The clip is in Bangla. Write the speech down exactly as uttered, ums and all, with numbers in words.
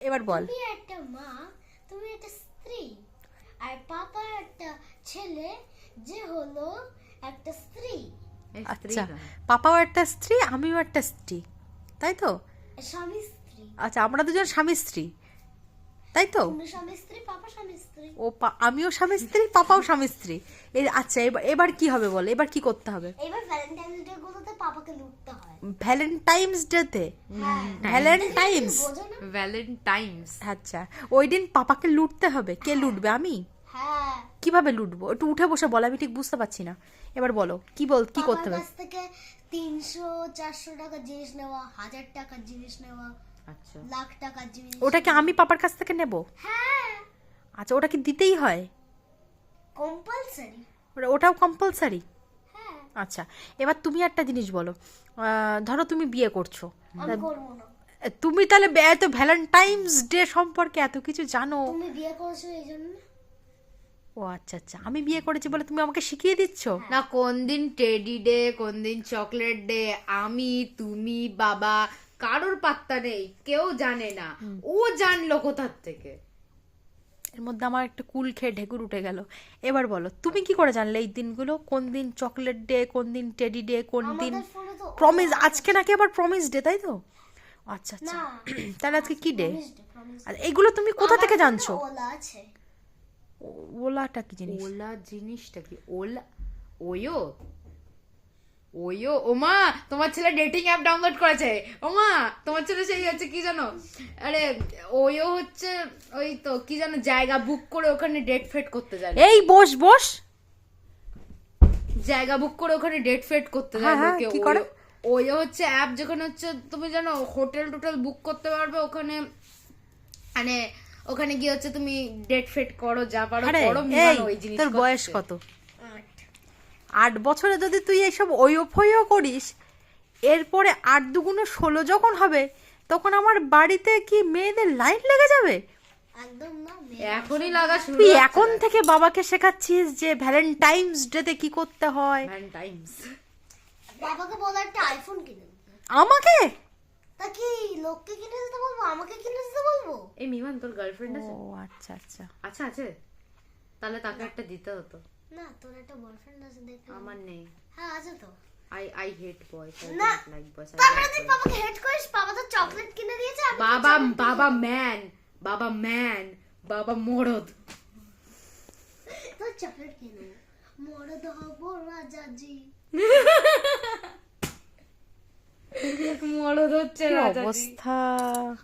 এবার বল। তুমি একটা মা, তুমি একটা স্ত্রী, আর পাপা একটা ছেলে যে হলো একটা স্ত্রী। আচ্ছা, পাপাও একটা স্ত্রী, আমিও একটা স্ত্রী, তাই তো? স্বামী স্ত্রী। আচ্ছা, আমরা দুজন স্বামী স্ত্রী, তাই তো? তুমি স্বামী স্ত্রী, পাপা স্বামী স্ত্রী। ও পা- আমিও স্বামী স্ত্রী, পাপাও স্বামী স্ত্রী। এই আচ্ছা, এবার এবার কি হবে বল, এবার কি করতে হবে? এবার ভ্যালেন্টাইন্স ডে গুলোতে পাপাকে লুটতে হয়। ভ্যালেন্টাইন্স ডেতে? হ্যাঁ, ভ্যালেন্টাইন্স? বোঝো না? ভ্যালেন্টাইন্স। আচ্ছা, ওই দিন পাপাকে লুটতে হবে। কে লুটবে? আমি? হ্যাঁ। কিভাবে লুটবো? একটু উঠে বসে বল, আমি ঠিক বুঝতে পারছি না। এবার বলো কি বল, কি করতে পাপার হবে? কাছ থেকে তিনশো চারশো টাকার জিনিস নেওয়া, হাজার টাকার জিনিস নেওয়া, আচ্ছা, লাখ টাকার জিনিস। ওটা কি আমি পাপার কাছ থেকে নেব? হ্যাঁ, আচ্ছা, ওটা কি দিতেই হয়? কম্পালসারি। ওটা- ওটাও কম্পালসারি? হ্যাঁ, আচ্ছা, এবার তুমি একটা জিনিস বলো। আহ, ধরো তুমি বিয়ে করছো, আমি করবো না। তুমি তাহলে বে- এত ভ্যালেন্টাইন্স ডে সম্পর্কে এত কিছু জানো? তুমি বিয়ে করেছো এই জন্য? ও আচ্ছা আচ্ছা, আমি বিয়ে করেছি বলে তুমি আমাকে শিখিয়ে দিচ্ছ? না কোন দিন টেডি ডে, কোন দিন চকলেট ডে, আমি তুমি বাবা কারোর পাত্তা নেই, কেউ জানে না। ও জানলো কোথার থেকে? এর মধ্যে আমার একটা কুল খেয়ে ঢেকুর উঠে গেল। এবার বলো তুমি কি করে জানলে এই দিনগুলো, কোন দিন চকলেট ডে, কোন দিন টেডি ডে, কোন দিন আমাদের ফোনে তো প্রমিস? আজকে নাকি আবার প্রমিস ডে, তাই তো? আচ্ছা আচ্ছা, না, তাহলে আজকে কি day? promise day, promise day। আর এগুলো তুমি কোথা থেকে আমার জানছো? ফোনে ওলা আছে। ও- ওলাটা কি জিনিস? ওলা জিনিসটা কি? ওলা ওয়ো ওয়ো ওমা, তোমার ছেলে ডেটিং অ্যাপ ডাউনলোড করেছে। ওমা, তোমার ছেলে সেই হচ্ছে কি জানো, আরে ওয়ো হচ্ছে ওই তো কি জানো, জায়গা বুক করে ওখানে ডেট ফেট করতে যায়। এই বস বস, জায়গা বুক করে ওখানে ডেট ফেট করতে যায় হ্যাঁ, হ্যাঁ, লোকে। কি করে? ওয়ো হচ্ছে অ্যাপ যেখানে হচ্ছে তুমি জানো হোটেল টোটেল বুক করতে পারবে ওখানে, মানে ওখানে গিয়ে হচ্ছে তুমি ডেট ফেট করো, যা পারো আরে করো। এই মিমানো ওই জিনিস তোর বয়স করছে। কত? আট। আট বছরে যদি তুই এইসব ওয়ো ফয়ো করিস, এরপরে আট দুগুণে ষোলো যখন হবে, তখন আমার বাড়িতে কি মেয়েদের লাইন লেগে যাবে? একদম না, এখনই লাগা শুরু তুই হচ্ছে। এখন থেকে বাবাকে শেখাচ্ছিস যে ভ্যালেন্টাইন্স ডেতে কি করতে হয়? ভ্যালেন্টাইন্স। বাবাকে বলো একটা আইফোন কিনে দিতে। আমাকে? তা কি লোককে কিনে দিতে বলবো, আমাকে কিনে দিতে বলবো? এই মিমান তোর গার্লফ্রেন্ড ও আছে? আচ্ছা আচ্ছা, আচ্ছা আছে, তাহলে তাকে একটা দিতে হতো। না, তোর একটা বয়ফ্রেন্ড আছে দেখে। আমার নেই। হ্যাঁ, আছে তো। আই আই হেট বয়স, আই না, ডোন্ট লাইক বয়স। তারপরে তুই বাবাকে হেট করিস, বাবা তো চকলেট কিনে দিয়েছে, আমি বাবা বাবা ম্যান, বাবা ম্যান, বাবা মরদ। তো চকলেট কিনে মরদ হবো রাজাজি। মরদ হচ্ছে কি রাজাজি। অবস্থা!